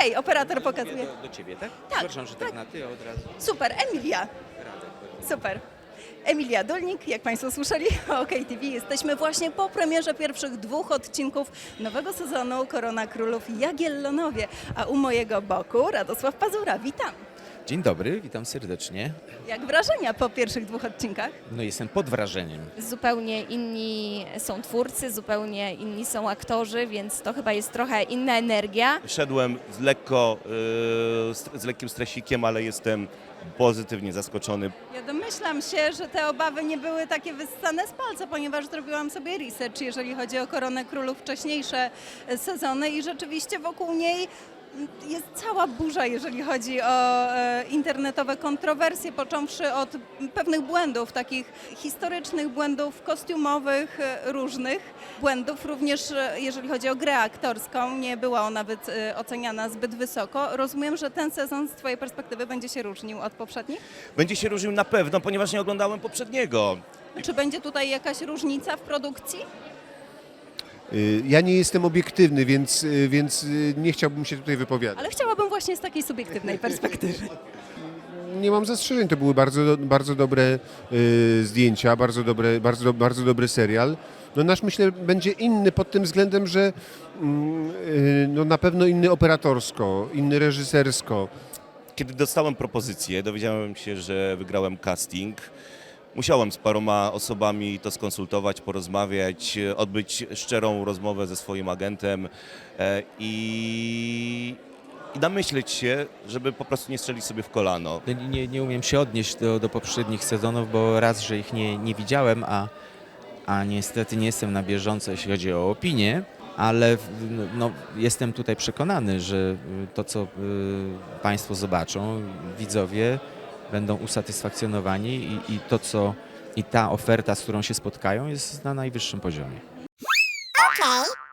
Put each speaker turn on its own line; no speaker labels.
Okej, operator pokazuje.
Do ciebie, tak?
Tak,
Przepraszam, że tak na ty od razu.
Super, Emilia. Super. Emilia Dolnik, jak Państwo słyszeli o OKTV, jesteśmy właśnie po premierze pierwszych 2 odcinków nowego sezonu Korona Królów Jagiellonowie, a u mojego boku Radosław Pazura. Witam.
Dzień dobry, witam serdecznie.
Jak wrażenia po pierwszych 2 odcinkach?
No jestem pod wrażeniem.
Zupełnie inni są twórcy, zupełnie inni są aktorzy, więc to chyba jest trochę inna energia.
Szedłem z lekkim stresikiem, ale jestem pozytywnie zaskoczony.
Ja domyślam się, że te obawy nie były takie wyssane z palca, ponieważ zrobiłam sobie research, jeżeli chodzi o Koronę Królów, wcześniejsze sezony i rzeczywiście wokół niej jest cała burza, jeżeli chodzi o internetowe kontrowersje, począwszy od pewnych błędów, takich historycznych błędów kostiumowych, różnych błędów, również jeżeli chodzi o grę aktorską, nie była ona oceniana zbyt wysoko. Rozumiem, że ten sezon z Twojej perspektywy będzie się różnił od poprzednich?
Będzie się różnił na pewno, ponieważ nie oglądałem poprzedniego.
Czy będzie tutaj jakaś różnica w produkcji?
Ja nie jestem obiektywny, więc nie chciałbym się tutaj wypowiadać.
Ale chciałabym właśnie z takiej subiektywnej perspektywy.
Nie mam zastrzeżeń, to były bardzo dobre zdjęcia, bardzo dobry serial. No nasz, myślę, będzie inny pod tym względem, że no na pewno inny operatorsko, inny reżysersko.
Kiedy dostałem propozycję, dowiedziałem się, że wygrałem casting. Musiałem z paroma osobami to skonsultować, porozmawiać, odbyć szczerą rozmowę ze swoim agentem i namyśleć się, żeby po prostu nie strzelić sobie w kolano.
Nie umiem się odnieść do poprzednich sezonów, bo raz, że ich nie widziałem, a niestety nie jestem na bieżąco, jeśli chodzi o opinię, ale no, jestem tutaj przekonany, że to, co Państwo zobaczą, widzowie, będą usatysfakcjonowani i ta oferta, z którą się spotkają, jest na najwyższym poziomie.
Okay.